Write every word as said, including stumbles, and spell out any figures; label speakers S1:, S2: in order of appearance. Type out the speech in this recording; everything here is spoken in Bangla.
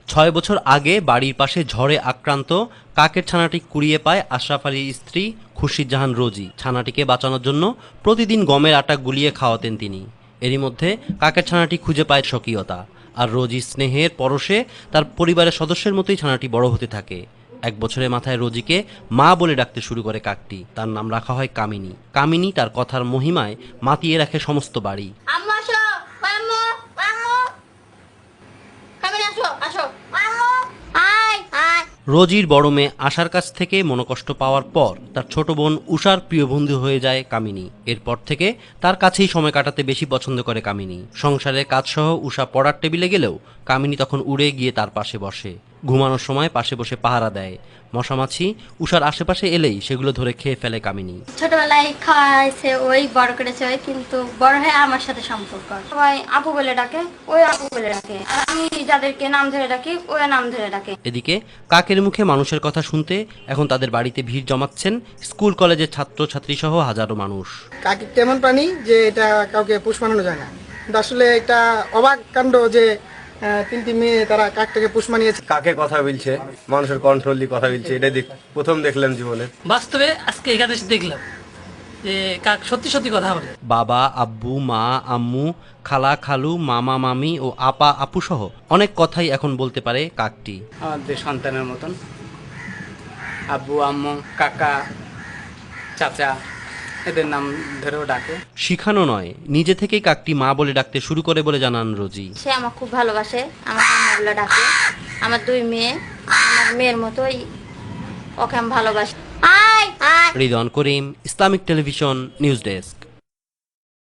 S1: ছয় বছর আগে বাড়ির পাশে ঝড়ে আক্রান্ত কাকের ছানাটি কুড়িয়ে পায় আশরাফ আলীর স্ত্রী খুরশিদ জাহান রোজি। ছানাটিকে বাঁচানোর জন্য প্রতিদিন গমের আটা গুলিয়ে খাওয়াতেন তিনি। এরই মধ্যে কাকের ছানাটি খুঁজে পায় স্বকীয়তা, আর রোজির স্নেহের পরশে তার পরিবারের সদস্যের মতোই ছানাটি বড় হতে থাকে। এক বছরের মাথায় রোজিকে মা বলে ডাকতে শুরু করে কাকটি। তার নাম রাখা হয় কামিনী। কামিনী তার কথার মহিমায় মাতিয়ে রাখে সমস্ত বাড়ি।
S2: আম্মু আসো, আম্মু, আম্মু, কামিনী আসো, আসো, আম্মু, আয়, আয়।
S1: রোজির বড় মেয়ে আশার কাছ থেকে মনোকষ্ট পাওয়ার পর তার ছোট বোন উষার প্রিয় বন্ধু হয়ে যায় কামিনী। এরপর থেকে তার কাছেই সময় কাটাতে বেশি পছন্দ করে কামিনী। সংসারের কাজসহ উষা পড়ার টেবিলে গেলেও কামিনী তখন উড়ে গিয়ে তার পাশে বসে। ঘুমানোর সময় পাশে বসে পাহারা দেয়। মশামাছি উষার আশেপাশে এলেই সেগুলো ধরে খেয়ে ফেলে কামিনী।
S2: ছোটবেলায় খাওয়াইছে ওই, বড় করেছে ওই, কিন্তু বড় হয়ে আমার সাথে সম্পর্ক। সবাই আপু বলে ডাকে, ওই আপু বলে ডাকে, আর আমি যাদেরকে নাম ধরে ডাকি ওই নাম ধরে ডাকে।
S1: এদিকে কাকের মুখে মানুষের কথা শুনতে এখন তাদের বাড়িতে ভিড় জমাচ্ছেন স্কুল কলেজের ছাত্র ছাত্রী সহ হাজারো মানুষ।
S3: কাক কেমন প্রাণী যে এটা কাউকে পোষ মানানো যায় না, কিন্তু আসলে এটা অবাক কাণ্ড যে আহ, তিনটি মেয়ে তারা কাকটাকে পোষ মানিয়েছে।
S4: কাকে কথা বলছে, মানুষের কন্ট্রোল দিয়ে কথা বলছে, এটা দেখ প্রথম দেখলাম জীবনে।
S5: বাস্তবে আজকে এখানে এসে দেখলাম যে কাক সত্যি সত্যি কথা বলে।
S1: বাবা, আব্বু, মা, আম্মু, খালা, খালু, মামা, মামি ও আপা, আপু সহ অনেক কথাই এখন বলতে পারে কাকটি।
S6: আমাদের সন্তানের মতন আব্বু, আম্মু, কাকা, চাচা এদের নাম ধরেও ডাকে।
S1: শিখানো নয়, নিজে থেকেই কাকটি মা বলে ডাকতে শুরু করে বলে জানান রোজি।
S2: সে আমার খুব ভালোবাসে, আমার আম্মু বলে ডাকে। আমার দুই মেয়ে, আমার মেয়ের মতোই ওকে আমি ভালোবাসি। আয়, আয়।
S1: Ridwan Karim, Islamic television, news desk.